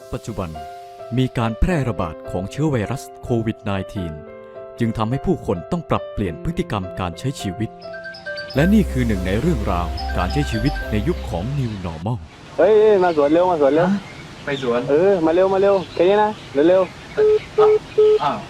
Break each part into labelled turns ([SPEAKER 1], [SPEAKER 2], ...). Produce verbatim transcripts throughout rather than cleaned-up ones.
[SPEAKER 1] ปัจจุบันมีการแพร่ระบาดของเชื้อไวรัสโควิด สิบเก้า จึงทำให้ผู้คนต้องปรับเปลี่ยนพฤติกรรมการใช้ชีวิต และนี่คือหนึ่งในเรื่องราวการใช้ชีวิตในยุคของ New Normal
[SPEAKER 2] เฮ้ยมาสวนเร็วมาสวนเร็ว
[SPEAKER 3] ไปสวน
[SPEAKER 2] เออมาเร็วมาเร็วแค่นี้นะเร็วเร็ว
[SPEAKER 3] อ้าว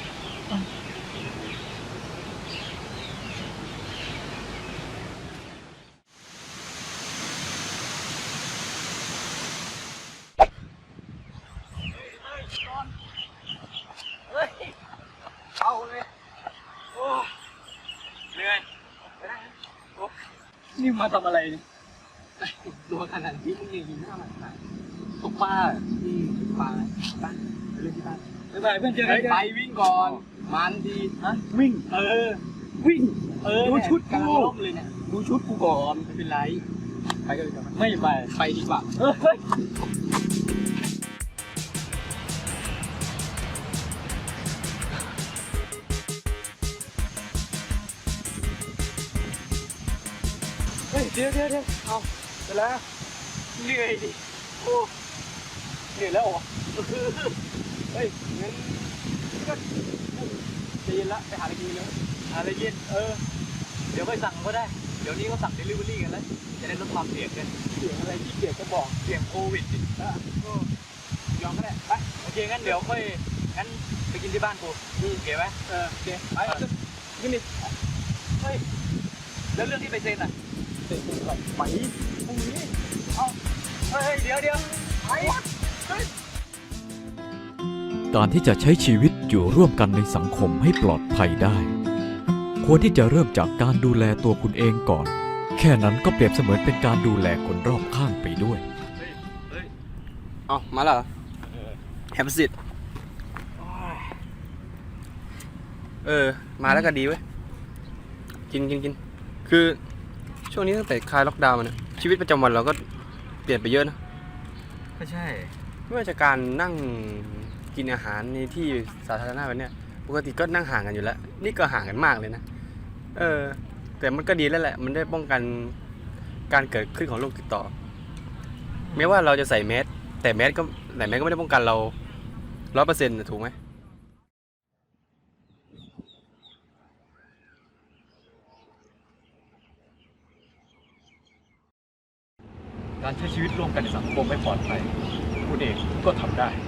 [SPEAKER 3] เอาเลยโอ้เหนื่อยโอ้นี่มาทำอะไรเนี่ยตัวขนาดนี้มึงยังยิงหน้ามันไหนตกปลาอืมตกปลาบ้านไปเล่นที่บ้านไปไปเพื่อนเจอกันไปวิ่งก่อนมันดีฮะวิ่งเออวิ่งเออดูชุดกูเลยเนี่ยดูชุดกูก่อนไม่เป็นไรไปกันเลยไม่ไปไปดีกว่าเฮ้ยเฮ้ยเดี๋ยวเดี๋ยวเดี๋ยวเอาเสร็จแล้วเหนื่อยดิโอ้เหนื่อยแล้วเหรอเฮ้ยงั้นก็จะเย็นละไปหาอะไรกินเลยหาอะไรกินเออเดี๋ยวไปสั่งก็ได้เดี๋ยวนี้เขาสั่งเดลิเวอรี่กันแล้วจะได้ลดความเสี่ยงกันเสี่ยงอะไรที่เสี่ยงก็บอกเสี่ยงโควิดอ่ะก็ยอมก็ได้ไปโอเคงั้นเดี๋ยวค่อยงั้นไปกินที่บ้านกูโอเคไหมเออโอเคไปขึ้นดิเฮ้ยแล้วเรื่องที่ไปเซ็นอ่ะเซ็นอะไรไปพรุ่งนี้เอาเฮ้ยเดี๋ยวเดี๋ยวไปเฮ้ย
[SPEAKER 1] การที่จะใช้ชีวิตอยู่ร่วมกันในสังคมให้ปลอดภัยได้ ควรที่จะเริ่มจากการดูแลตัวคุณเองก่อน แค่นั้นก็เปรียบเสมือนเป็นการดูแลคนรอบข้างไปด้วย
[SPEAKER 4] เอามาแล้วแฮมสิตเออมาแล้วก็ดีเว้ยกินกินกินคือช่วงนี้ตั้งแต่คลายล็อกดาวน์มาเนี่ยชีวิตประจำวันเราก็เปลี่ยนไปเยอะนะ
[SPEAKER 3] ก็ใช่
[SPEAKER 4] ไม่ว่าจะการนั่งกินอาหารในที่สาธารณะแบบเนี้ยปกติก็นั่งห่างกันอยู่แล้วนี่ก็ห่างกันมากเลยนะเออแต่มันก็ดีแล้วแหละมันได้ป้องกันการเกิดขึ้นของโรคติดต่อแม้ว่าเราจะใส่แมสแต่แมสก็แต่แมสก็ไม่ได้ป้องกันเราร้อยเปอร์เซ็นต์ถูกไหม
[SPEAKER 1] การใช้ชีวิตร่วมกันในสังคมให้ปลอดภัยคุณเองก็ทำได้